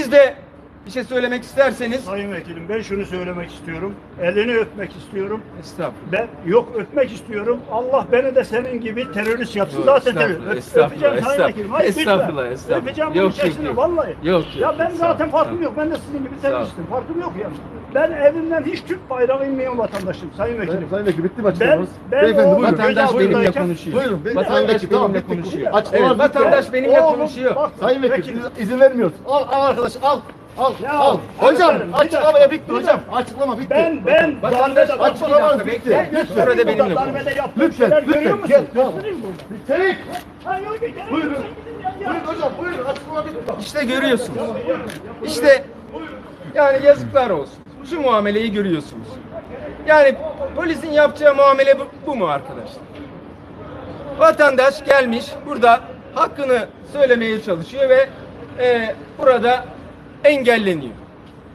Siz de bir şey söylemek isterseniz. Sayın Vekilim, ben şunu söylemek istiyorum. Elini öpmek istiyorum. Estağfurullah. Ben yok öpmek istiyorum. Allah beni de senin gibi terörist yapsın. Yok, Zaten estağfurullah, terörist. estağfurullah, Öpeceğim Sayın estağfurullah. Vekilim. Hayır, Estağfurullah, lütfen. estağfurullah. Öpeceğim bunun Yok, içerisinde yok. vallahi. Yok, Ya ben sağ zaten ol, farkım sağ ol. yok. Ben de sizin gibi Sağ ol. teröristim. Farkım yok ya. Ben evimden hiç Türk bayrağı inmeyen vatandaşım Sayın Vekilim. Sayın Vekil bitti mi açıklamanız? Ben Beyefendi oğlum, buyurun. Vatandaş Gözal benimle buradayken- konuşuyor. Buyurun. Vatandaş Tamam, benimle bitti. konuşuyor. Açıklamanız Evet, bitti. vatandaş benimle Oğlum, konuşuyor. bak, Sayın Vekil Vekilim. izin vermiyoruz. Al arkadaş al. Al. Ya, Al. Hocam efendim, bir açıklamaya dakika, bitti bir hocam. dakika. Açıklama bitti. Ben Vatandaş darbede açıklamanız bir bitti. dakika, Lütfen. Burada benimle konuş. darbede yaptığım Lütfen. şeyler görüyor Lütfen. musun? Gel. Göstereyim bunu. Çelik. Ha, yok, gerek yok. Buyurun. Buyurun hocam buyurun. Açıklama bitti. İşte görüyorsunuz. İşte yani yazıklar olsun. Şu muameleyi görüyorsunuz. Yani polisin yapacağı muamele bu mu arkadaşlar? Vatandaş gelmiş burada hakkını söylemeye çalışıyor ve burada engelleniyor.